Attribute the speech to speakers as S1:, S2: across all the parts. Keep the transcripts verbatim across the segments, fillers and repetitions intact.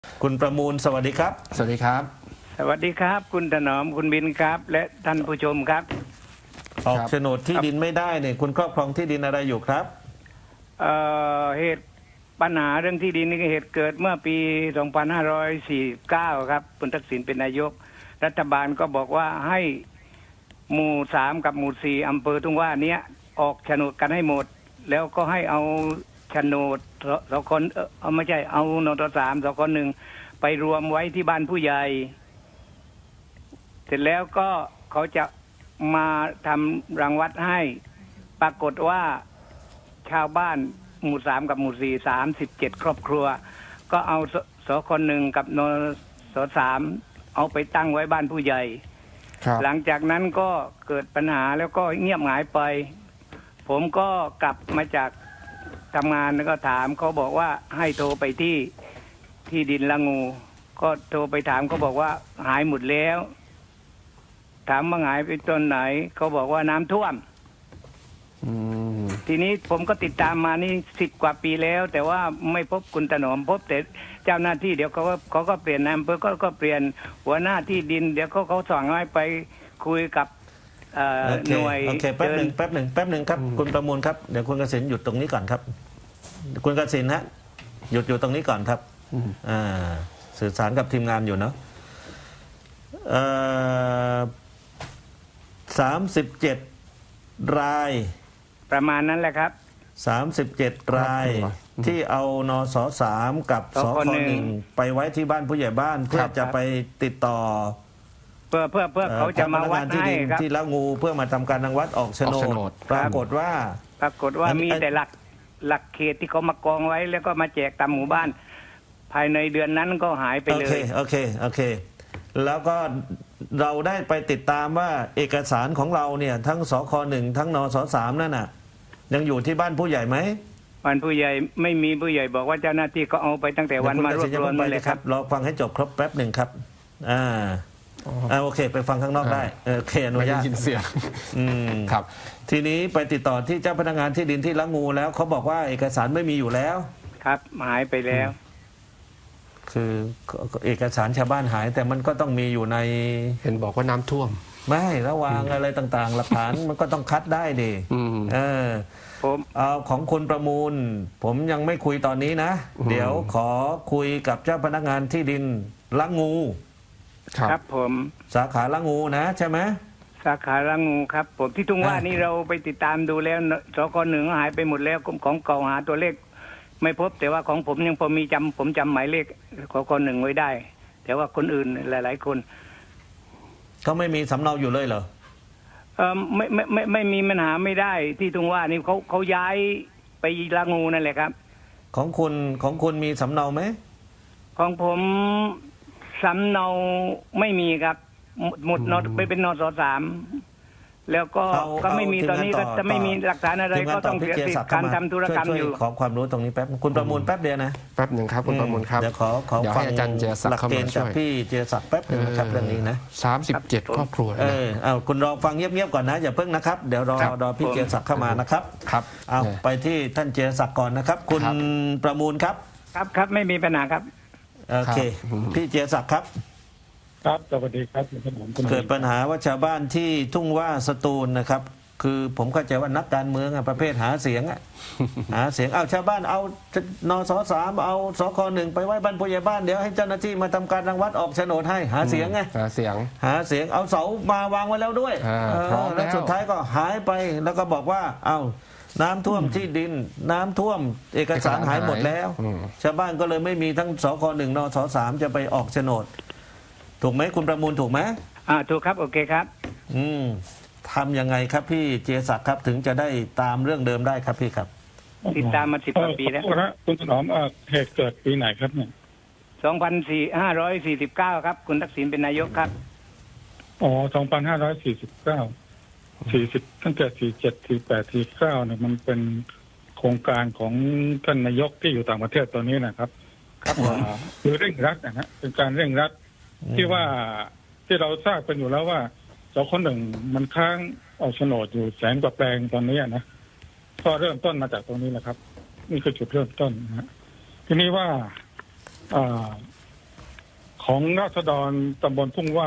S1: คุณประมูลสวัสดีครับ
S2: สวัสดีครับ
S3: สวัสดีครับคุณถนอมคุณบินครับและท่านผู้ชมครับ
S1: ออกโฉนดที่ดินไม่ได้เนี่ยคุณครอบครองที่ดินอะไรอยู่ครับ
S3: เอ่อเหตุปัญหาเรื่องที่ดินนี่เหตุเกิดเมื่อปีสองพันห้าร้อยสี่สิบเก้าครับคุณทักษิณเป็นนายกรัฐบาลก็บอกว่าให้หมู่สามกับหมู่สี่อำเภอทุ่งว่าเนี้ยออกโฉนดกันให้หมดแล้วก็ให้เอาโฉนดสองคนเออไม่ใช่เอานทสามสองคนหนึ่งไปรวมไว้ที่บ้านผู้ใหญ่เสร็จแล้วก็เขาจะมาทำรังวัดให้ปรากฏว่าชาวบ้านหมู่สามกับหมู่สี่สามสิบเจ็ดครอบครัวก็เอาสสคนหนึ่งกับนสสามเอาไปตั้งไว้บ้านผู้ใหญ่หลังจากนั้นก็เกิดปัญหาแล้วก็เงียบหายไปผมก็กลับมาจากทำงานแล้วก็ถามเขาบอกว่าให้โทรไปที่ที่ดินละงู ก็โทรไปถามเขาบอกว่าหายหมดแล้วถามว่าหายไปตอนไหนเขาบอกว่าน้ำท่วมทีนี้ผมก็ติดตามมานี่สิบกว่าปีแล้วแต่ว่าไม่พบคุณถนอมพบแต่เจ้าหน้าที่เดี๋ยวเขาก็เขาก็เปลี่ยนนายอำเภอก็ก็เปลี่ยนหัวหน้าที่ดินเดี๋ยวเขาเขาสั่งให้ไปคุยกับหน่วย
S1: โอเคแป๊บหนึ่งแป๊บหนึ่งแป๊บหนึ่งครับคุณประมูลครับเดี๋ยวคุณเกษมหยุดตรงนี้ก่อนครับคุณเกษมฮะหยุดอยู่ตรงนี้ก่อนครับอ่าสื่อสารกับทีมงานอยู่เนาะสามสิบเจ็ดราย
S3: ประมาณนั้นแหละครับ
S1: สามสิบเจ็ดรายที่เอานสสามกับสคหนึ่งไปไว้ที่บ้านผู้ใหญ่บ้านเพื่อจะไปติดต่อ
S3: เพื่อเพื่อเพื่อเขาจะมาวัดให้ครับ
S1: ที่ละงูเพื่อมาทำการรังวัดออกโฉนดปรากฏว่า
S3: ปรากฏว่ามีแต่หลักหลักเขตที่เขามากองไว้แล้วก็มาแจกตามหมู่บ้านภายในเดือนนั้นก็หายไปเลย
S1: โอเคโอเคโอเคแล้วก็เราได้ไปติดตามว่าเอกสารของเราเนี่ยทั้งสคหนึ่งทั้งนสสามนั่นน่ะยังอยู่ที่บ้านผู้ใหญ่ไหม
S3: บ้านผู้ใหญ่ไม่มีผู้ใหญ่บอกว่าเจ้าหน้าที่ก็เอาไปตั้งแต่วันมารวบรวมไปเลยครับ
S1: รอฟังให้จบครบแป๊บหนึ่งครับอ่าอ่าโอเคไปฟังข้างนอกได้โอเคอนุญาต
S2: ยินเสียง
S1: อืมครับทีนี้ไปติดต่อที่เจ้าพนักงานที่ดินที่ละงูแล้วเขาบอกว่าเอกสารไม่มีอยู่แล้ว
S3: ครับหายไปแล้ว
S1: คือเอกสารชาวบ้านหายแต่มันก็ต้องมีอยู่ใน
S2: เห็นบอกว่าน้ำท่วม
S1: ไม่ระวางอะไรต่างๆหลักฐานมันก็ต้องคัดได้ดิเออ
S3: ผม
S1: เอาของคุณประมูลผมยังไม่คุยตอนนี้นะเดี๋ยวขอคุยกับเจ้าพนักงานที่ดินละงู
S3: ครับผม
S1: สาขาละงูนะใช่ไหม
S3: สาขาละงูครับผมที่ทุ่งว่านี่เราไปติดตามดูแล้วสคหนึ่งหายไปหมดแล้วของเก่าหาตัวเลขไม่พบแต่ว่าของผมยังพอมีจำผมจำหมายเลขของคนหนึ่งไว้ได้แต่ว่าคนอื่นหลายๆคน
S1: เขาไม่มีสำเนาอยู่เลยเหรอ
S3: เออไม่ไม่ไม่ไม่มีปัญหาไม่ได้ที่ตรงว่านี่เขาเขาย้ายไปละงูนั่นแหละครับ
S1: ของคุณของคุณมีสำเนาไหม
S3: ของผมสำเนาไม่มีครับหมดนอไปเป็นนสสามแล้วก็ก็ไม่มีตอนนี้ก็จะไม่มีหลักฐานอะไรก็ต้องเสียสิทธิ์การทำธุรกรรมอยู่
S1: ขอความรู้ตรงนี้แป๊บคุณประมูลแป๊บเดียวนะ
S2: แป๊บหนึ่งครับคุณประมูลครับ
S1: เดี๋ยวขอขอฟัง
S2: อาจารย์เจษศักดิ์เข้ามาช่วย
S1: พี่เจษศักดิ์แป๊บนึงนะครับเรื่องนี้นะ
S2: สามสิบเจ็ดครอบครัว
S1: เออเอาคุณรอฟังเงียบๆก่อนนะอย่าเพิ่งนะครับเดี๋ยวรอรอพี่เจษศักดิ์เข้ามานะครับ
S2: ครับ
S1: เอาไปที่ท่านเจษศักดิ์ก่อนนะครับคุณประมูลครับ
S3: ครับครับไม่มีปัญหาครับ
S1: โอเคพี่เจษศักดิ์ครับ
S4: ครับสวัสดีครับ
S1: เกิดปัญหาว่าชาวบ้านที่ทุ่งว่าสตูลนะครับคือผมเข้าใจว่านักการเมืองประเภทหาเสียงหาเสียงเอาชาวบ้านเอานสสามเอาสคหนึ่งไปไว้บ้านผู้ใหญ่บ้านเดี๋ยวให้เจ้าหน้าที่มาทำการรังวัดออกโฉนดให้หาเสียงไง
S2: หาเสียง
S1: หาเสียงเอาเสามาวางไว้แล้วด้วยแล้วสุดท้ายก็หายไปแล้วก็บอกว่าเอาน้ำท่วมที่ดินน้ำท่วมเอกสารหายหมดแล้วชาวบ้านก็เลยไม่มีทั้งสคหนึ่งนสสามจะไปออกโฉนดถูกไหมคุณประมูลถูกไหม
S3: อ่าถูกครับโอเคครับ
S1: อืมทำยังไงครับพี่เจษศักดิ์ครับถึงจะได้ตามเรื่องเดิมได้ครับพี่ครับ
S3: ติดตามมาสิบกว่าปีแล้ว
S4: คุณถนอมเหตุเกิดปีไหนครับเนี่ย
S3: สองพันสี่ห้าร้อยสี่สิบเก้าครับคุณทักษิณเป็นนายกครับ
S4: อ๋อสองพันห้าร้อยสี่สิบเก้าสี่สิบตั้งแต่สี่เจ็ดสี่แปดสี่เก้าเนี่ยมันเป็นโครงการของท่านนายกที่อยู่ต่างประเทศตอนนี้นะครับครับคือเร่งรัดนะฮะเป็นการเร่งรัดที่ว่าที่เราทราบกันอยู่แล้วว่าสคหนึ่งมันค้างออกโฉนดอยู่แสนกว่าแปลงตอนนี้นะก็เริ่มต้นมาจากตรงนี้แหละครับนี่คือจุดเริ่มต้นนะฮะทีนี้ว่าของราษฎรตำบลทุ่งว่า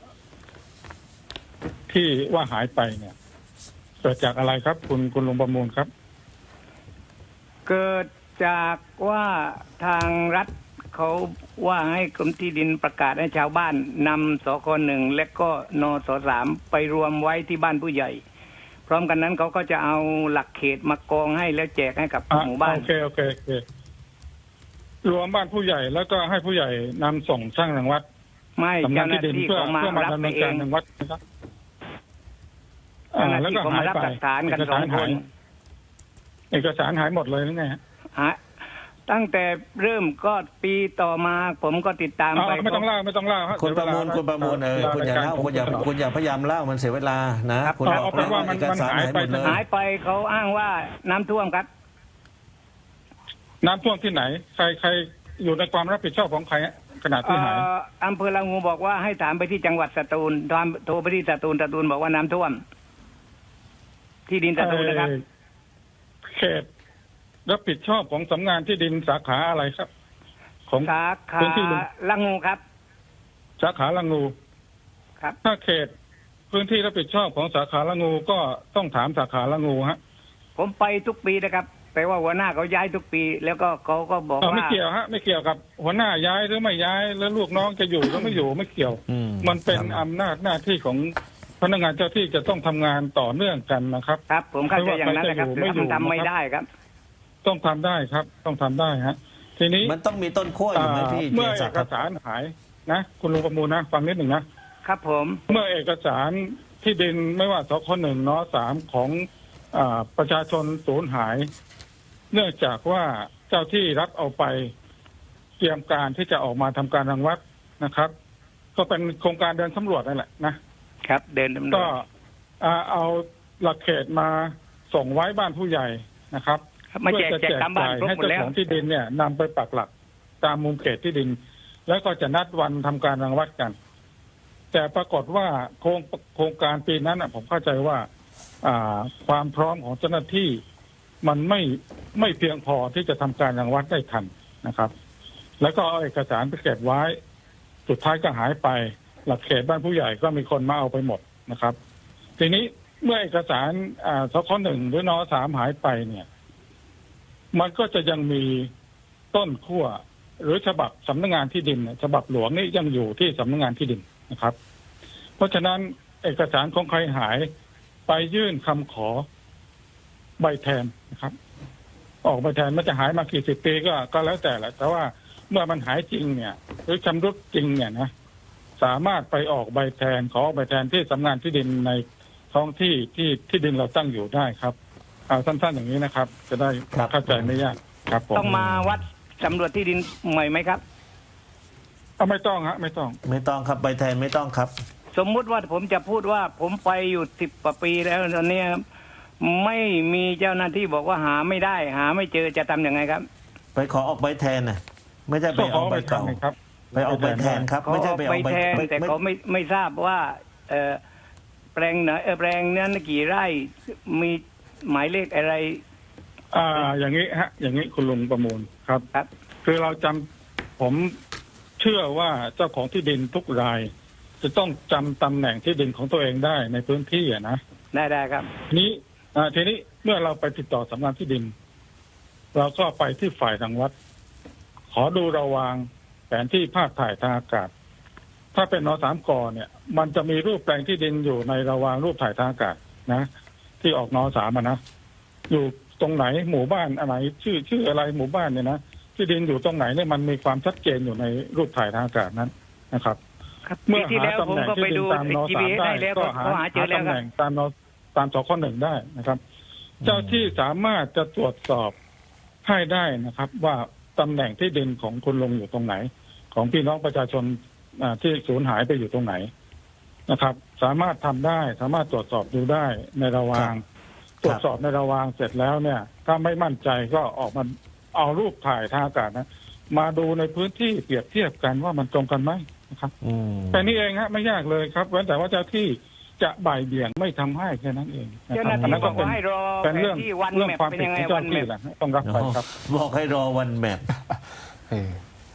S4: ที่ว่าหายไปเนี่ยเกิดจากอะไรครับ คุณคุณลุงประมูลครับ
S3: เกิดจากว่าทางรัฐเขาว่าให้กรมที่ดินประกาศให้ชาวบ้านนำสคหนึ่งและก็นสสามไปรวมไว้ที่บ้านผู้ใหญ่ พร้อมกันนั้นเขาก็จะเอาหลักเขตมากองให้แล้วแจกให้กับ
S4: อ่ะ
S3: หมู่บ้าน
S4: โอเคโอเคโอเครวมบ้านผู้ใหญ่แล้วก็ให้ผู้ใหญ่นำส่งช่างรังวัด
S3: ไม่
S4: สำนั
S3: เจ้าก หน้า
S4: ที่ดิน
S3: ที่
S4: เพื่อ
S3: เขามา
S4: เพื่อมา
S3: รับ
S4: ดำ
S3: ไป
S4: เนิน
S3: เอ
S4: การ
S3: ง
S4: รังวัดนะครับ
S3: เจ้าหน้า
S4: แล้ว
S3: ที่
S4: ก็
S3: เขา
S4: หาม
S3: าย รับ
S4: ไป
S3: หลักฐานกัน
S4: เอก
S3: สอ
S4: สาง ร
S3: ค
S4: หาย
S3: น
S4: เอกสารหายหมดเลยหรือไงฮะ
S3: หาตั้งแต่เริ่มก็ปีต่อมาผมก็ติดตาม
S4: เอา
S3: ไป
S4: ไม่ต้องเล่าไม่ต้องเล่าฮ
S1: คุณประมูลคุณประมูลเออคุณอย่าเล่าคุณอย่าคุณอย่าพยายามเล่ามันเสียเวลานะคุณบอก
S4: เอาเป็นว่ามัน
S1: เอกสาร
S4: มันหาย
S1: หาย
S4: ไป
S1: หมดเลย
S3: หายไปเขาอ้างว่าน้ำท่วมครับ
S4: น้ำท่วมที่ไหน ใครใครอยู่ในความรับผิดชอบของใครฮะขณะที่หาย
S3: เอ่ออำเภอละงูบอกว่าให้ถามไปที่จังหวัดสตูลตอนโทรไปที่สตูลสตูลบอกว่าน้ำท่วม ที่ดินสตูลนะครับ
S4: เอ่อเขตรับผิดชอบของสำนักงานที่ดินสาขาอะไรครับ ของ
S3: สาขา
S4: พื้นที่ลุง
S3: ละงูครับ
S4: สาขาละงู
S3: ครับ
S4: ถ้าเขตพื้นที่รับผิดชอบของสาขาละงูก็ต้องถามสาขาละงูฮะ
S3: ผมไปทุกปีนะครับแต่ว่าหัวหน้าเขาย้ายทุกปี แล้วก็เขาก็บอก
S4: เอาไม่
S3: ว่า
S4: เกี่ยวฮะไม่เกี่ยวกับหัวหน้าย้ายหรือไม่ย้ายแล้วลูกน้องจะอยู่หรือไม่อยู่ไม่เกี่ยว
S1: อื
S4: มันเป็น
S1: ครับ
S4: อำนาจหน้าที่ของพนักงานเจ้าที่จะต้องทำงานต่อเนื่องกันนะครับ
S3: ครับ ผมเข้าใจอย่างนั้นนะครับ
S4: ไม่ว่าใครจะอยู่ไม่อยู่
S3: แต่มันทำไม่
S4: นะครับ
S3: ได้ครับ
S4: ต้องทำได้ครับ ต้องทำได้ฮะ ทีนี้
S1: มันต้องมีต้นขั้วอยู่ไหมพี่
S4: อ่า
S1: เจ
S4: เมื่อ
S1: สั
S4: เอก
S1: ค
S4: ก
S1: รับ
S4: สารหายนะคุณลุงประมูลนะฟังนิดหนึ่งนะครับ
S3: ผม
S4: เมื่อเอกสารที่ดินไม่ว่าสคหนึ่งนสามของอาประชาชนสูญหาย เนื่องจากว่าเจ้าที่รัฐเอาไปเตรียมการที่จะออกมาทำการรังวัดนะครับ ก็เป็นโครงการเดินสำรวจนั่นแหละนะครับ
S3: เดินดำเนิ
S4: ก็
S3: น
S4: อ่าเอาหลักเขตมาส่งไว้บ้านผู้ใหญ่นะครับ
S3: ครับมาแจก
S4: เพื่อ
S3: แจกตามบ้านครบ
S4: ให้
S3: หมด
S4: เจ้า
S3: แล้ว
S4: ของที่ดินเนี่ยนำไปปักหลักตามมุมเขตที่ดิน แล้วก็จะนัดวันทำการรังวัดกัน แต่ปรากฏว่าโครงโครงการปีนั้นน่ะผมเข้าใจว่า อ่าความพร้อมของเจ้าหน้าที่ มันไม่ไม่เพียงพอที่จะทำการรังวัดได้ทันนะครับ แล้วก็เอาเอกสารไปเก็บไว้ สุดท้ายก็หายไป หลักเขตบ้านผู้ใหญ่ก็มีคนมาเอาไปหมดนะครับ ทีนี้เมื่อเอกสารอ่าสคหนึ่งหรือนสามหายไปเนี่ย มันก็จะยังมีต้นขั้วหรือฉบับสำนักงานที่ดินเนี่ยฉบับหลวงนี่ยังอยู่ที่สำนักงานที่ดินนะครับ เพราะฉะนั้นเอกสารของใครหายไปยื่นคำขอใบแทนนะครับ ออกใบแทนมันจะหายมากี่สิบปีก็ก็แล้วแต่แหละแต่ว่าเมื่อมันหายจริงเนี่ย หรือชำรุดจริงเนี่ยนะสามารถไปออกใบแทนขอออกใบแทนที่สำนักงานที่ดินในท้องที่ที่ที่ดินเราตั้งอยู่ได้ครับเอาสั้นๆอย่างนี้นะครับ จะได้
S1: ครับ
S4: เข้าใจไม่ยากครับผม
S3: ต้องมาวัดสำรวจที่ดินใหม่ไหมครับ
S4: เอาไม่ต้องฮะไม่ต้อง
S1: ไม่ต้องครับใบแทนไม่ต้องครับ
S3: สมมุติว่าผมจะพูดว่าผมไปอยู่สิบกว่าปีแล้วตอนนี้ไม่มีเจ้าหน้าที่บอกว่าหาไม่ได้ หาไม่เจอจะทำยังไงครับ
S1: ไปขอออกใบแทนน่ะไม่ใช่ไป
S4: ก็ข
S1: เอา
S4: อ
S1: ใบ
S4: ใบแทน
S1: เก่า
S4: ครับ
S1: ไปเอาใบแทนครับ
S3: เขา
S1: ไม่ใช่
S3: ออก
S1: ไป
S3: ใบ
S1: เอาใบ
S3: แทน
S1: ไม่
S3: แต่
S1: ไม่
S3: เขาไม่ไม่ทราบว่า เออแปลงไหนเออแปลงนั้นกี่ไร่มีหมายเลขอะไร
S4: อ่า อย่างนี้ฮะ อย่างนี้คุณลุงประมูลครับ
S3: ครับ
S4: คือเราจำผมเชื่อว่าเจ้าของที่ดินทุกราย จะต้องจำตำแหน่งที่ดินของตัวเองได้ในพื้นที่อะนะ
S3: ได้ได้ครับ
S4: ทีนี้อ่าทีนี้เมื่อเราไปติดต่อสำนักงานที่ดิน เราก็ไปที่ฝ่ายทางวัด ขอดูระวางแผนที่ภาพถ่ายทางอากาศ ถ้าเป็นนสามกเนี่ย มันจะมีรูปแปลงที่ดินอยู่ในระวางรูปถ่ายทางอากาศนะ ที่ออกนสามอะนะอยู่ตรงไหนหมู่บ้านอะไร ชื่อชื่ออะไรหมู่บ้านเนี่ยนะที่ดินอยู่ตรงไหนเนี่ยมันมีความชัดเจนอยู่ในรูปถ่ายทางอากาศนั้นนะครับ
S3: ครับ
S4: เมื่
S3: ปี
S4: อ
S3: ที่
S4: หา
S3: แล้ว
S4: ตำ
S3: ผม
S4: แหน่ง
S3: ก็
S4: ที่
S3: ไป
S4: ดิน
S3: ดู
S4: ตามน
S3: จี
S4: สา
S3: พี
S4: ม
S3: เอส
S4: ได้
S3: ได้แล้ว
S4: ก็
S3: ก็
S4: หา
S3: เขาหาเจอ
S4: หา
S3: แล้ว
S4: ตำ
S3: ค
S4: แห
S3: รับ
S4: น่งตามนตามสคหนึ่งได้นะครับ เจ้าที่สามารถจะตรวจสอบให้ได้นะครับ ว่าตำแหน่งที่ดินของคุณลุงอยู่ตรงไหน ของพี่น้องประชาชนอ่าที่สูญหายไปอยู่ตรงไหนนะครับ สามารถทำได้ สามารถตรวจสอบดูได้ในระวาง ตรวจสอบในระวางเสร็จแล้วเนี่ย ถ้าไม่มั่นใจก็ออกมาเอารูปถ่ายทางอากาศนะ มาดูในพื้นที่เปรียบเทียบกันว่ามันตรงกันไหมนะครับ
S1: อืม
S4: แต่นี่เองฮะไม่ยากเลยครับเว้นแต่ว่าเจ้าที่จะบ่ายเบี่ยงไม่ทำให้แค่นั้นเองนะ
S3: เจ้า
S4: ค
S3: ห
S4: รับ
S3: น้า
S4: อัน
S3: ที่
S4: นั้น
S3: บ
S4: ก็
S3: อก
S4: เป็น
S3: ว่าให้รอ
S4: เป็น
S3: แผ
S4: เรื่อง
S3: นที่วัน
S4: เรื่อง
S3: แมป
S4: ความ
S3: เป็น
S4: ผิด
S3: ยังไง
S4: ของ
S3: วั
S4: เจ้าน
S3: แม
S4: ที่
S3: ป
S4: แหละต้องรับไปครับ
S1: บอกให้รอวันแมป
S2: เออ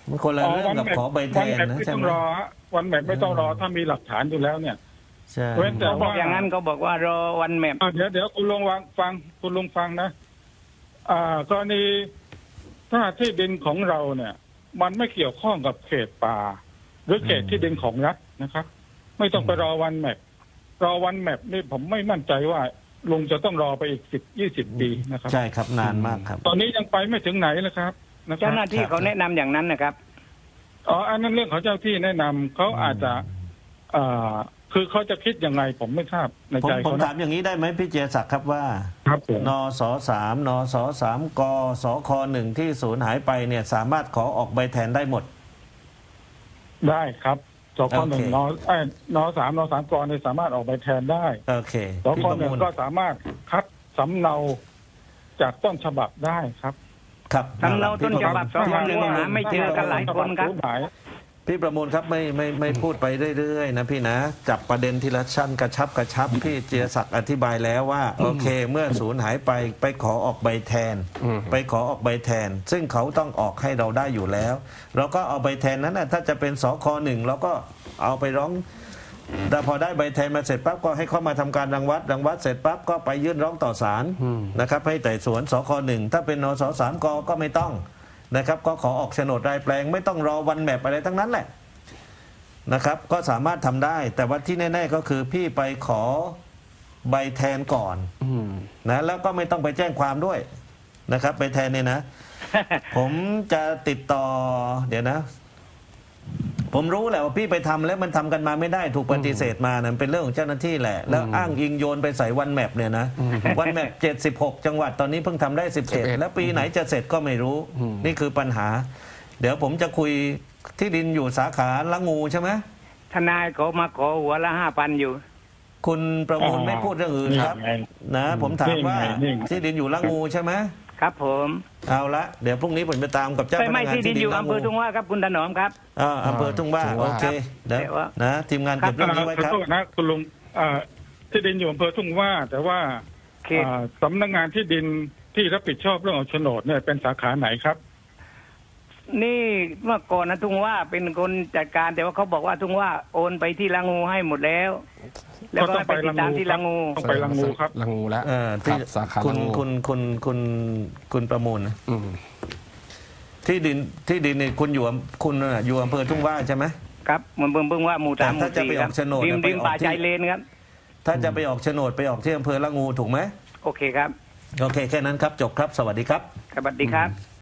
S1: มันคนละเรื่องกับขอใบแทน
S4: วันแมป
S1: นะ
S4: ไม่
S1: ใช่
S4: ต้อง
S1: ไหม
S4: รอฮะวันแมปไม่ต้องรอถ้ามีหลักฐานอยู่แล้วเนี่ย
S1: ใช่
S4: เว้นแต่
S3: เขาบอกอย่างนั้นเขาบอกว่ารอวันแมป
S4: อ่ะเดี๋ยวเดี๋ยวคุณลุงวางฟังคุณลุงฟังนะ อ่ากรณีถ้าที่ดินของเราเนี่ย มันไม่เกี่ยวข้องกับเขตป่า หรือเขตที่ดินของรัฐนะครับ ไม่ต้องไปรอวันแมปรอวันแมปนี่ผมไม่มั่นใจว่าลุงจะต้องรอไปอีกสิบยี่สิบปีนะครับ
S1: ใช่ครับนานมากครับ
S4: ตอนนี้ยังไปไม่ถึงไหนเลยครับนะครั
S3: เจ้า
S4: บ
S3: หน้าที่เขาแนะนำอย่างนั้นนะครับ
S4: อ๋ออันนั้นเรื่องของเจ้าที่แนะนำเขาอาจจะอ่าคือเขาจะคิดยังไงผมไม่ทราบใน
S1: ผม
S4: ใจ
S1: ผม
S4: เขา
S1: ถาม
S4: นะ
S1: อย่างนี้ได้ไหมพี่เจยศักดิ์ครับว่า
S4: ครับผม
S1: นสสามนสสามกสคหนึ่งที่สูญหายไปเนี่ยสามารถขอออกใบแทนได้หมด
S4: ได้ครับสคหนึ่ง
S1: โอเค
S4: นเอ้ยนสามนสามกรเนี่ยสามารถออกใบแทนได้
S1: โอเค
S4: ส
S1: พี่
S4: ค
S1: ประ
S4: หนึ่
S1: มู
S4: ง
S1: ล
S4: ก็สามารถคัดสำเนาจากต้นฉบับได้ครับ
S1: ครับ
S3: สำเนาต้นฉบับ
S1: พี่ประมูล
S3: สคหนึ่งหาไม่เจอกันหลายคนครับ
S1: พี่ประมูลครับไม่ไม่ไม่พูดไปเรื่อยๆนะพี่นะจับประเด็นทีละชั้นกระชับกระชับพี่เจียศักดิ์อธิบายแล้วว่าโอเค เมื่อสูญหายไปไปขอออกใบแทน
S2: อืม
S1: ไปขอออกใบแทน ซึ่งเขาต้องออกให้เราได้อยู่แล้ว เราก็เอาใบแทนนั้นนะถ้าจะเป็นสคหนึ่งเราก็เอาไปร้องแต่พอได้ใบแทนมาเสร็จปั๊บก็ให้เขามาทำการรังวัดรังวัดเสร็จปั๊บก็ไปยื่นร้องต่อศาลนะครับให้ไต่สวนสคหนึ่งถ้าเป็นนสสามกก็ไม่ต้องนะครับก็ขอออกโฉนดรายแปลงไม่ต้องรอวันแมปอะไรทั้งนั้นแหละนะครับก็สามารถทำได้ แต่ว่าที่แน่ๆก็คือพี่ไปขอใบแทนก่อน
S2: อืม
S1: นะแล้วก็ไม่ต้องไปแจ้งความด้วยนะครับใบแทนเนี่ยนะ ผมจะติดต่อเดี๋ยวนะ ผมรู้แหละว่าพี่ไปทำแล้วมันทำกันมาไม่ได้ถูกปฏิเสธมานะมันเป็นเรื่องของเจ้าหน้าที่แหละ แล้วอ้างอิงโยนไปใส่วันแมปเนี่ยนะวันแมปเจ็ดสิบหกจังหวัดตอนนี้เพิ่งทำได้สิบเอ็ดแล้วปีไหนจะเสร็จก็ไม่รู้ นี่คือปัญหา เดี๋ยวผมจะคุยที่ดินอยู่สาขาละงูใช่ไหม
S3: ทนายเขามาขอหัวละห้าพันอยู่
S1: คุณประมูลไม่พูดเรื่องอื่นครับ
S4: นี่ไง
S1: นะ ผมถามว่า
S4: นี่ไงนี่ไง
S1: ที่ดินอยู่ละงูใช่ไหม
S3: ครับผม
S1: เอาละเดี๋ยวพรุ่งนี้ผมไปตามกับเจ้าพ
S3: ไม่
S1: นัก
S3: ไม่
S1: งาน
S3: ที่ดินอยู่
S1: ละ
S3: อำเภอทุ่งว่าครับคุณถนอมครับ
S1: อ่าอำเภอทุ่งว่า
S2: ทุ่ง
S1: โอ
S2: ว่า
S1: เคเดี๋ยว
S3: แต่ว่า
S1: นะทีมงานเก็บเรื่องนี้ไว้
S4: ขอ
S1: ครับ
S4: โทษนะคุณลุงอ่าที่ดินอยู่อำเภอทุ่งว่า แต่ว่า
S3: เขต
S4: อ่าสำนักงานที่ดินที่รับผิดชอบเรื่องของโฉนดเนี่ยเป็นสาขาไหนครับ
S3: นี่เมื่อก่อนนะทุ่งว่าเป็นคนจัดการแต่ว่าเขาบอกว่าทุ่งว่าโอนไปที่ละงูให้หมดแล้ว แล้วก็ให้ไปติดตามที่ละงู
S4: ต้องไปลังงูครับ
S2: ลังงูแล้ว
S1: เอ่อ
S2: ครั
S1: ที่
S2: บสาขา
S1: คุ
S2: ลั
S1: ณ
S2: งงู
S1: คุณคุณคุณคุณประมูลนะ
S2: อืม
S1: ที่ดินที่ดินนี่คุณอยู่อำคุณน่ะอยู่อำเภอทุ่งว่าใช่ไหม
S3: ครับเหมันเบิ่งเบิ่งว่าหมู่สามห
S1: แต่
S3: มู่
S1: ถ้าจะ
S3: สี่
S1: ไป
S3: ค
S1: อ
S3: รั
S1: อบ กโฉนด
S3: ริม
S1: เนี่ยไป
S3: ริม
S1: ออก
S3: ป่า
S1: ที่
S3: ชายเลนครับ
S1: ถ้าจะไปออกโฉนดไปออกที่อำเภอละงูถูกไหม
S3: โอเคครับ
S1: โอเคแค่นั้นครับจบครับสวัสดีครับ
S3: สวัสดีครับ